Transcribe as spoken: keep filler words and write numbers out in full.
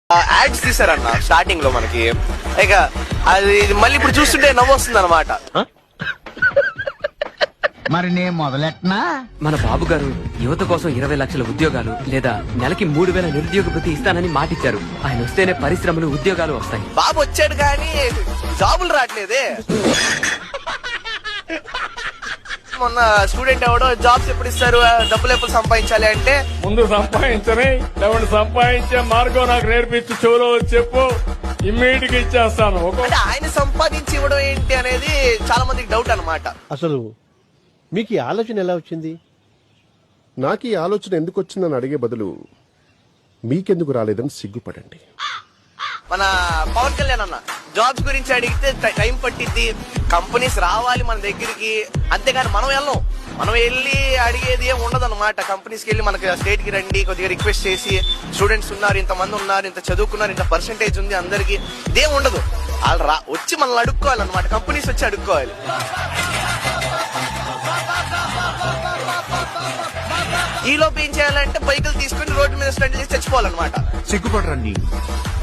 Ads తీసారన్న starting లో మనకి, ఇక అది మళ్ళీ ఇప్పుడు చూస్తుంటే నవ్వు వస్తుంది అనమాట. మరి నేను మొదలెట్నా? మన బాబు గారు యువత కోసం ఇరవై లక్షల ఉద్యోగాలు లేదా నెలకి మూడు వేల నిరుద్యోగ భృతి ఇస్తానని మాటిచ్చారు. ఆయన వస్తేనే పరిశ్రమలు ఉద్యోగాలు వస్తాయి. బాబు వచ్చాడు కానీ జాబులు రావట్లేదే. మొన్న స్టూడెంట్ ఎవడో జాబ్స్ ఎప్పుడు ఇస్తారు, డబ్బులు ఎప్పుడు సంపాదించాలి అంటే, ముందు సంపాదించని లేవండి సంపాదించే మార్గం నాకు నేర్పించి చెవులో చెప్పు, ఇమ్మీడియట్ గా ఇచ్చేస్తాను. అంటే ఆయన సంపాదించి ఇవ్వడం ఏంటి అనేది చాలా మందికి డౌట్ అనమాట. అసలు మీకు ఈ ఆలోచన ఎలా వచ్చింది? నాకు ఈ ఆలోచన ఎందుకు వచ్చిందని అడిగే బదులు మీకెందుకు రాలేదని సిగ్గుపడండి. మన పవన్ కళ్యాణ్ అన్న జాబ్స్ గురించి అడిగితే టైం పట్టిద్ది, కంపెనీస్ రావాలి మన దగ్గరికి, అంతేగాని మనం వెళ్ళం. మనం వెళ్ళి అడిగేది ఏం ఉండదు అనమాట. కంపెనీస్కి వెళ్ళి మనకి స్టేట్ కి రండి కొద్దిగా రిక్వెస్ట్ చేసి, స్టూడెంట్స్ ఉన్నారు, ఇంతమంది ఉన్నారు, ఇంత చదువుకున్నారు, ఇంత పర్సెంటేజ్ ఉంది అందరికి, ఇదేం ఉండదు. వాళ్ళు రా వచ్చి మనల్ని అడుక్కోవాలన్నమాట, కంపెనీస్ వచ్చి అడుక్కోవాలి. ఈ లోపు ఏం చేయాలంటే బైకులు తీసుకుని రోడ్డు మీద స్టంట్ చేసి చచ్చిపోవాలన్నమాట. సిగ్గుపడరండి.